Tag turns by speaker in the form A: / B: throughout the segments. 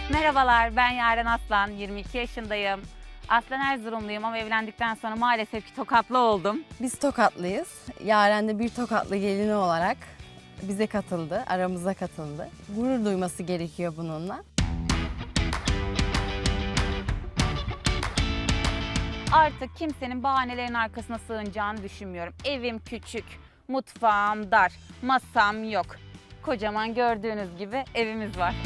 A: Merhabalar, ben Yaren Aslan, 22 yaşındayım. Aslen Erzurumluyum ama evlendikten sonra maalesef ki Tokatlı oldum.
B: Biz Tokatlıyız. Yaren de bir Tokatlı gelini olarak bize katıldı, aramıza katıldı. Gurur duyması gerekiyor bununla.
A: Artık kimsenin bahanelerin arkasına sığınacağını düşünmüyorum. Evim küçük, mutfağım dar, masam yok. Kocaman gördüğünüz gibi evimiz var.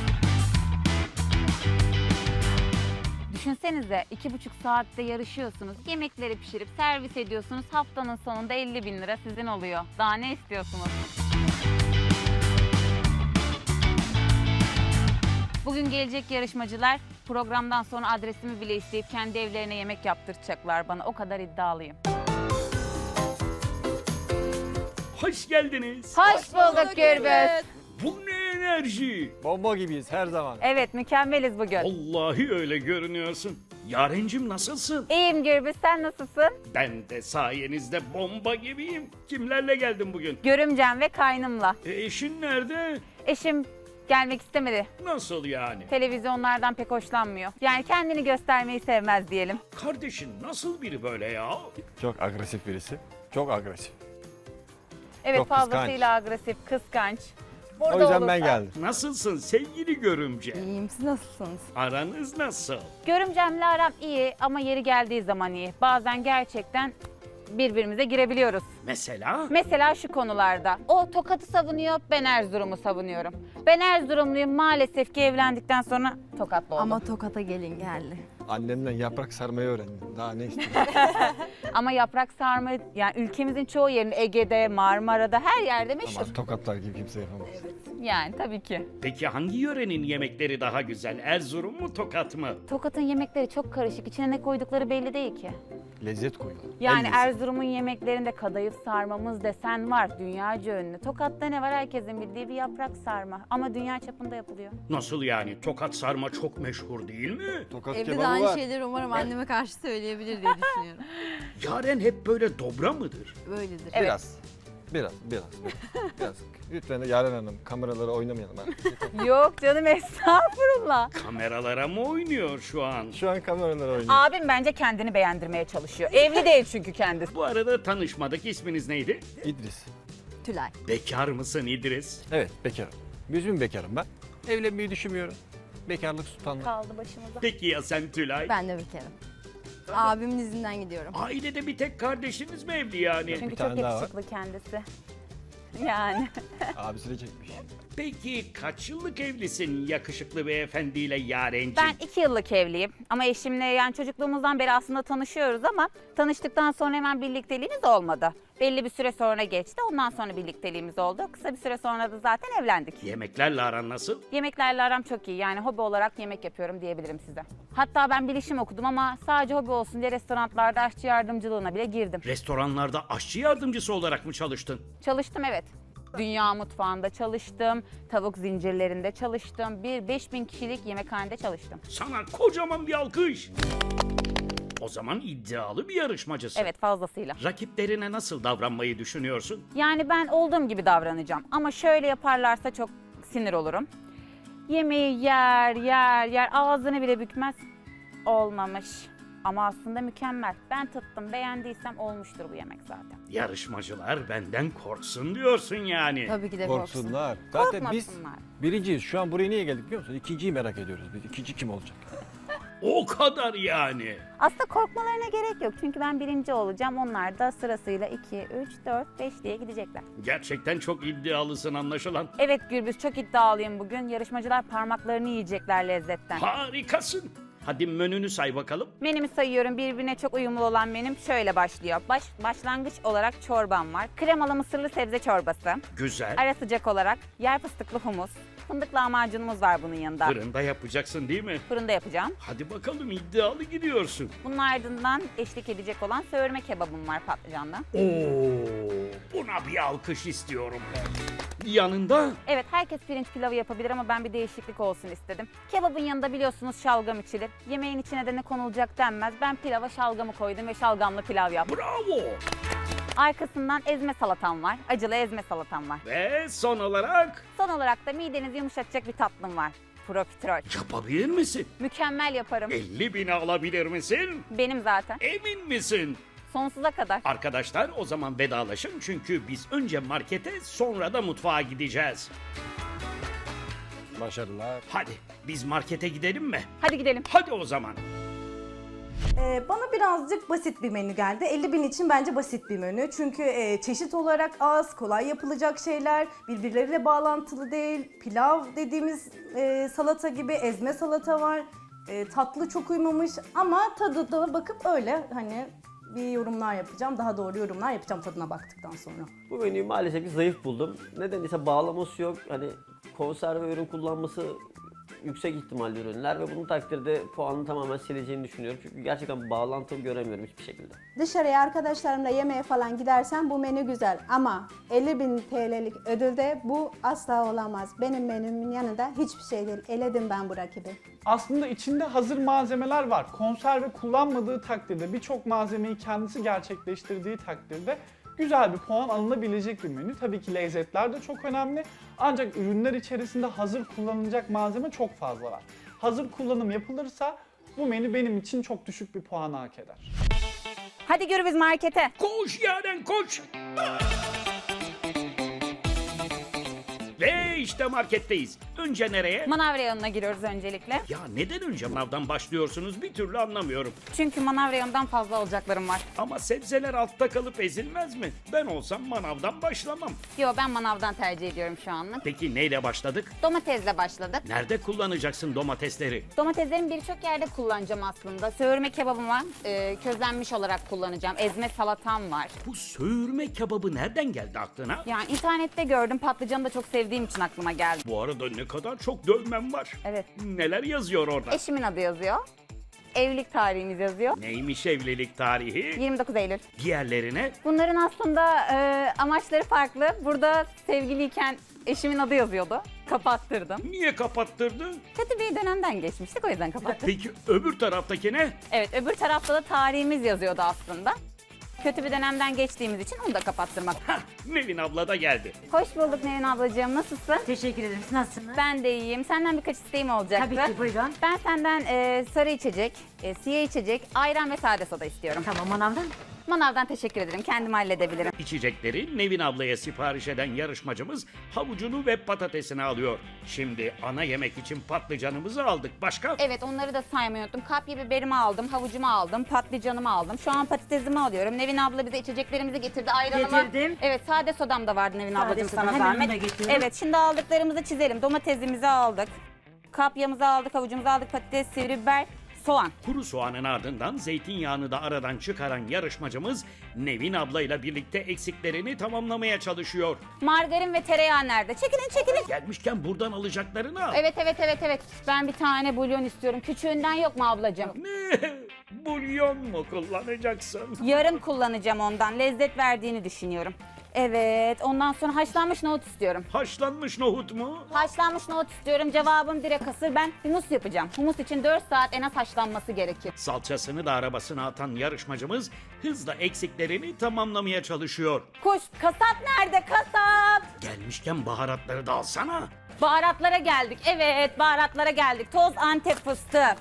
A: Düşünsenize 2,5 saatte yarışıyorsunuz, yemekleri pişirip servis ediyorsunuz, haftanın sonunda 50.000 lira sizin oluyor. Daha ne istiyorsunuz? Bugün gelecek yarışmacılar programdan sonra adresimi bile isteyip kendi evlerine yemek yaptıracaklar bana. O kadar iddialıyım.
C: Hoş geldiniz.
A: Hoş bulduk Gürbüz.
C: Bu ne enerji?
D: Bomba gibiyiz her zaman.
A: Evet, mükemmeliz bugün.
C: Vallahi öyle görünüyorsun. Yarencim nasılsın?
A: İyiyim Gürbüz, sen nasılsın?
C: Ben de sayenizde bomba gibiyim. Kimlerle geldin bugün?
A: Görümcem ve kaynımla.
C: Eşin nerede?
A: Eşim gelmek istemedi.
C: Nasıl yani?
A: Televizyonlardan pek hoşlanmıyor. Yani kendini göstermeyi sevmez diyelim.
C: Kardeşin nasıl biri böyle ya?
D: Çok agresif birisi. Çok agresif.
A: Evet,
D: Çok kıskanç.
A: fazlasıyla agresif, kıskanç.
D: O yüzden ben geldim.
C: Nasılsın sevgili görümce?
B: İyiyim, siz nasılsınız?
C: Aranız nasıl?
A: Görümcemle aram iyi ama yeri geldiği zaman iyi. Bazen gerçekten birbirimize girebiliyoruz.
C: Mesela?
A: Mesela şu konularda. O Tokat'ı savunuyor, ben Erzurum'u savunuyorum. Ben Erzurumluyum, maalesef ki evlendikten sonra Tokatlı oldum.
B: Ama Tokat'a gelin geldi.
D: Annemden yaprak sarmayı öğrendim. Daha ne istiyorsun?
A: Ama yaprak sarma, yani ülkemizin çoğu yerinde, Ege'de, Marmara'da, her yerde meşhur.
D: Ama tokatlar gibi kimse yapamaz.
A: Yani tabii ki.
C: Peki hangi yörenin yemekleri daha güzel? Erzurum mu Tokat mı?
A: Tokat'ın yemekleri çok karışık. İçine ne koydukları belli değil ki.
D: Lezzet koyuyorlar.
A: Yani
D: El lezzeti.
A: Erzurum'un yemeklerinde kadayıf sarmamız desen var. Dünyaca ünlü. Tokat'ta ne var? Herkesin bildiği bir yaprak sarma. Ama dünya çapında yapılıyor.
C: Nasıl yani? Tokat sarma çok meşhur değil mi?
D: Tokat
B: Evde de
D: kebabı
B: aynı
D: var.
B: şeyleri umarım anneme karşı söyleyebilir diye düşünüyorum.
C: Yaren hep böyle dobra mıdır?
B: Böyledir.
A: Evet.
D: Biraz. Lütfen de Yaren Hanım kameralara oynamayalım.
A: Yok canım, estağfurullah.
C: Kameralara mı oynuyor şu an?
D: Şu an kameralara oynuyor.
A: Abim bence kendini beğendirmeye çalışıyor. Evli değil çünkü kendisi.
C: Bu arada tanışmadık. İsminiz neydi?
D: İdris.
B: Tülay.
C: Bekar mısın İdris?
D: Evet bekarım. Yüzüm bekarım ben. Evlenmeyi düşünmüyorum. Bekarlık sultanlık.
A: Kaldı başımıza.
C: Peki ya sen Tülay?
B: Ben de bekarım. Abimin izinden gidiyorum.
C: Ailede bir tek kardeşiniz mi evli yani?
A: Çünkü
D: Bir
A: çok
D: tane daha var.
A: yakışıklı kendisi. Yani.
D: Abisi de çekmiş.
C: Peki kaç yıllık evlisin yakışıklı beyefendiyle Yarenciğim?
A: Ben 2 yıllık evliyim ama eşimle yani çocukluğumuzdan beri aslında tanışıyoruz ama tanıştıktan sonra hemen birlikteliğimiz olmadı. Belli bir süre sonra geçti, ondan sonra birlikteliğimiz oldu. Kısa bir süre sonra da zaten evlendik.
C: Yemeklerle aran nasıl?
A: Yemeklerle aram çok iyi, yani hobi olarak yemek yapıyorum diyebilirim size. Hatta ben bilişim okudum ama sadece hobi olsun diye restoranlarda aşçı yardımcılığına bile girdim.
C: Restoranlarda aşçı yardımcısı olarak mı çalıştın?
A: Çalıştım, evet. Dünya mutfağında çalıştım, tavuk zincirlerinde çalıştım, 5.000 kişilik yemekhanede çalıştım.
C: Sana kocaman bir alkış. O zaman iddialı bir yarışmacısın.
A: Evet, fazlasıyla.
C: Rakiplerine nasıl davranmayı düşünüyorsun?
A: Yani ben olduğum gibi davranacağım ama şöyle yaparlarsa çok sinir olurum. Yemeği yer, ağzını bile bükmez. Olmamış. Ama aslında mükemmel. Ben tattım, beğendiysem olmuştur bu yemek zaten.
C: Yarışmacılar benden korksun diyorsun yani.
B: Tabii ki de korksun.
D: Korksunlar. Zaten biz
A: Korkmasınlar.
D: birinciyiz. Şu an buraya niye geldik biliyor musun? İkinciyi merak ediyoruz biz. İkinci kim olacak?
C: O kadar yani.
A: Aslında korkmalarına gerek yok. Çünkü ben birinci olacağım. Onlar da sırasıyla 2, 3, 4, 5 diye gidecekler.
C: Gerçekten çok iddialısın anlaşılan.
A: Evet Gürbüz, çok iddialıyım bugün. Yarışmacılar parmaklarını yiyecekler lezzetten.
C: Harikasın. Hadi menünü say bakalım.
A: Menümü sayıyorum. Birbirine çok uyumlu olan menüm şöyle başlıyor. Başlangıç olarak çorbam var. Kremalı mısırlı sebze çorbası.
C: Güzel.
A: Ara sıcak olarak yer fıstıklı humus. Fındık lahmacunumuz var bunun yanında.
C: Fırında yapacaksın değil mi?
A: Fırında yapacağım.
C: Hadi bakalım iddialı gidiyorsun.
A: Bunun ardından eşlik edecek olan söğürme kebabım var patlıcanlı.
C: Oo, buna bir alkış istiyorum. Yanında
A: Evet, herkes pirinç pilavı yapabilir ama ben bir değişiklik olsun istedim. Kebabın yanında biliyorsunuz şalgam içilir. Yemeğin içine de ne konulacak denmez. Ben pilava şalgamı koydum ve şalgamlı pilav yaptım.
C: bravo.
A: Arkasından ezme salatam var. Acılı ezme salatam var.
C: Ve son olarak
A: Son olarak da midenizi yumuşatacak bir tatlım var. Profiterol.
C: Yapabilir misin?
A: Mükemmel yaparım.
C: 50.000'i alabilir misin?
A: Benim zaten.
C: Emin misin?
A: Sonsuza kadar.
C: Arkadaşlar o zaman vedalaşın çünkü biz önce markete sonra da mutfağa gideceğiz.
D: Başarılar.
C: Hadi biz markete gidelim mi?
A: Hadi gidelim.
C: Hadi o zaman.
E: Bana birazcık basit bir menü geldi. 50.000 için bence basit bir menü. Çünkü çeşit olarak az, kolay yapılacak şeyler, birbirleriyle bağlantılı değil. Pilav dediğimiz salata gibi ezme salata var. Tatlı çok uymamış ama tadı da bakıp öyle hani bir yorumlar yapacağım. Daha doğru yorumlar yapacağım tadına baktıktan sonra.
F: Bu menüyü maalesef ki zayıf buldum. Neden ise bağlaması yok. Hani konserve ürün kullanması yüksek ihtimalli ürünler ve bunun takdirde puanını tamamen sileceğini düşünüyorum. Çünkü gerçekten bağlantı göremiyorum hiçbir şekilde.
G: Dışarıya arkadaşlarımla yemeğe falan gidersen bu menü güzel ama 50.000 TL'lik ödülde bu asla olamaz. Benim menümün yanında hiçbir şey değil. Eledim ben bu rakibi.
H: Aslında içinde hazır malzemeler var. Konserve kullanmadığı takdirde, birçok malzemeyi kendisi gerçekleştirdiği takdirde güzel bir puan alınabilecek bir menü. Tabii ki lezzetler de çok önemli. Ancak ürünler içerisinde hazır kullanılacak malzeme çok fazla var. Hazır kullanım yapılırsa bu menü benim için çok düşük bir puan hak eder.
A: Hadi yürü biz markete.
C: Koş Yaren koş. Ve işte marketteyiz. Önce nereye?
A: Manav reyonuna giriyoruz öncelikle.
C: Ya neden önce manavdan başlıyorsunuz bir türlü anlamıyorum.
A: Çünkü manav reyonundan fazla alacaklarım var.
C: Ama sebzeler altta kalıp ezilmez mi? Ben olsam manavdan başlamam.
A: Yo, ben manavdan tercih ediyorum şu anlık.
C: Peki neyle başladık?
A: Domatesle başladık.
C: Nerede kullanacaksın domatesleri?
A: Domateslerin birçok yerde kullanacağım aslında. Söğürme kebabım var. Közlenmiş olarak kullanacağım. Ezme salatam var.
C: Bu söğürme kebabı nereden geldi aklına?
A: Yani internette gördüm. Patlıcanı da çok sevdiğim için aklıma geldi.
C: Bu arada ne kadar çok dövmem var.
A: Evet.
C: Neler yazıyor orada?
A: Eşimin adı yazıyor. Evlilik tarihimiz yazıyor.
C: Neymiş evlilik tarihi?
A: 29 Eylül.
C: Diğerlerine
A: Bunların aslında amaçları farklı. Burada sevgiliyken eşimin adı yazıyordu. Kapattırdım.
C: niye kapattırdın?
A: Kötü bir dönemden geçmiştik, o yüzden kapattım.
C: Peki öbür taraftaki ne?
A: Evet, öbür tarafta da tarihimiz yazıyordu aslında. Kötü bir dönemden geçtiğimiz için onu da kapattırmak.
C: Hah, Nevin abla da geldi.
A: Hoş bulduk Nevin ablacığım, nasılsın?
I: Teşekkür ederim. Siz nasılsınız?
A: Ben de iyiyim. Senden birkaç isteğim olacaktı.
I: Tabii ki, buyurun.
A: Ben senden sarı içecek, siyah içecek, ayran ve sade soda istiyorum.
I: Tamam, manavdan.
A: Manavdan teşekkür ederim. Kendim halledebilirim.
C: İçecekleri Nevin ablaya sipariş eden yarışmacımız havucunu ve patatesini alıyor. Şimdi ana yemek için patlıcanımızı aldık. Başka?
A: Evet, onları da saymayı unuttum. Kapya biberimi aldım, havucumu aldım, patlıcanımı aldım. Şu an patatesimi alıyorum. Nevin abla bize içeceklerimizi getirdi. Ayranımı.
I: Getirdim.
A: Evet, sade sodam da vardı Nevin ablacığım,
I: soda,
A: sana
I: hemen onu
A: zahmet.
I: da getiriyorum.
A: Evet, şimdi aldıklarımızı çizelim. Domatesimizi aldık. Kapyamızı aldık, havucumuzu aldık, patates, sivri biber, soğan.
C: Kuru soğanın ardından zeytinyağını da aradan çıkaran yarışmacımız Nevin ablayla birlikte eksiklerini tamamlamaya çalışıyor.
A: Margarin ve tereyağı nerede? Çekilin, çekilin.
C: Gelmişken buradan alacaklarını al.
A: Evet. Ben bir tane bulyon istiyorum. Küçüğünden yok mu ablacığım?
C: Ne? Bulyon mu kullanacaksın?
A: Yarım kullanacağım ondan. Lezzet verdiğini düşünüyorum. Evet, ondan sonra haşlanmış nohut istiyorum.
C: Haşlanmış nohut mu?
A: Haşlanmış nohut istiyorum. Cevabım direkt hasır. Ben humus yapacağım. Humus için 4 saat en az haşlanması gerekir.
C: Salçasını da arabasına atan yarışmacımız hızla eksiklerini tamamlamaya çalışıyor.
A: Kuş, kasap nerede? Kasap!
C: Gelmişken baharatları da alsana.
A: Baharatlara geldik. Evet, baharatlara geldik. Toz Antep fıstığı.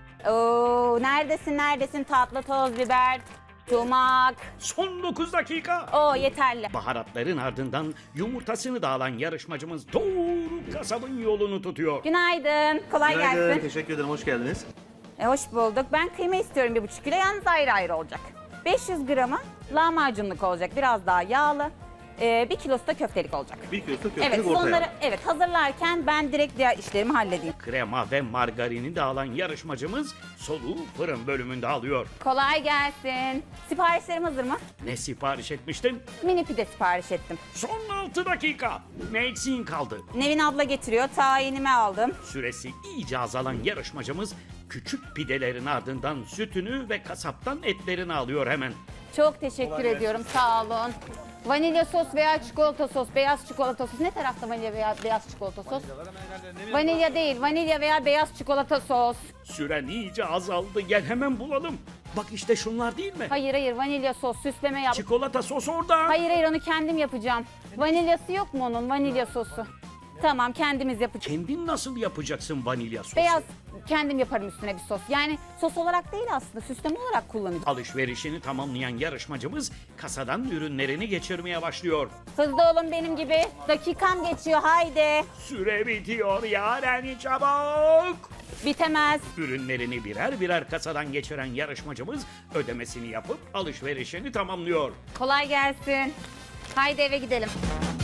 A: Oo, neredesin tatlı toz biber, sumak.
C: Son 9 dakika.
A: Oo, yeterli.
C: Baharatların ardından yumurtasını da alan yarışmacımız doğru kasabın yolunu tutuyor.
A: Günaydın. Kolay gelsin.
J: Teşekkür ederim. Hoş geldiniz.
A: Hoş bulduk. Ben kıyma istiyorum 1,5 kilo. Yalnız ayrı ayrı olacak. 500 gramı lahmacunluk olacak. Biraz daha yağlı. 1 kilosu da köftelik olacak.
J: 1 kilosu köftelik
A: Evet,
J: ortaya.
A: onları hazırlarken ben direkt diğer işlerimi halledeyim.
C: Krema ve margarini de alan yarışmacımız soluğu fırın bölümünde alıyor.
A: Kolay gelsin. Siparişlerim hazır mı?
C: Ne sipariş etmiştin?
A: Mini pide sipariş ettim.
C: Son 6 dakika. Ne eksiğin kaldı?
A: Nevin abla getiriyor. Tayinimi aldım.
C: Süresi iyice azalan yarışmacımız küçük pidelerin ardından sütünü ve kasaptan etlerini alıyor hemen.
A: Çok teşekkür ediyorum. Sağ olun. Vanilya sos veya çikolata sos, beyaz çikolata sos. Ne tarafta vanilya veya beyaz çikolata sos? Vanilya değil, vanilya veya beyaz çikolata sos.
C: Süren iyice azaldı. Gel hemen bulalım. Bak işte şunlar değil mi?
A: Hayır, vanilya sos, süsleme yap.
C: Çikolata sos orada.
A: Hayır, onu kendim yapacağım. Vanilyası yok mu onun, vanilya sosu? Tamam, kendimiz yapacağız.
C: Kendin nasıl yapacaksın vanilya sosu?
A: Beyaz kendim yaparım üstüne bir sos. Yani sos olarak değil aslında, süsleme olarak kullanacağım.
C: Alışverişini tamamlayan yarışmacımız kasadan ürünlerini geçirmeye başlıyor.
A: Hızlı olun benim gibi. Dakikam geçiyor, haydi.
C: Süre bitiyor Yaren, çabuk!
A: Bitemez.
C: Ürünlerini birer birer kasadan geçiren yarışmacımız ödemesini yapıp alışverişini tamamlıyor.
A: Kolay gelsin. Haydi eve gidelim.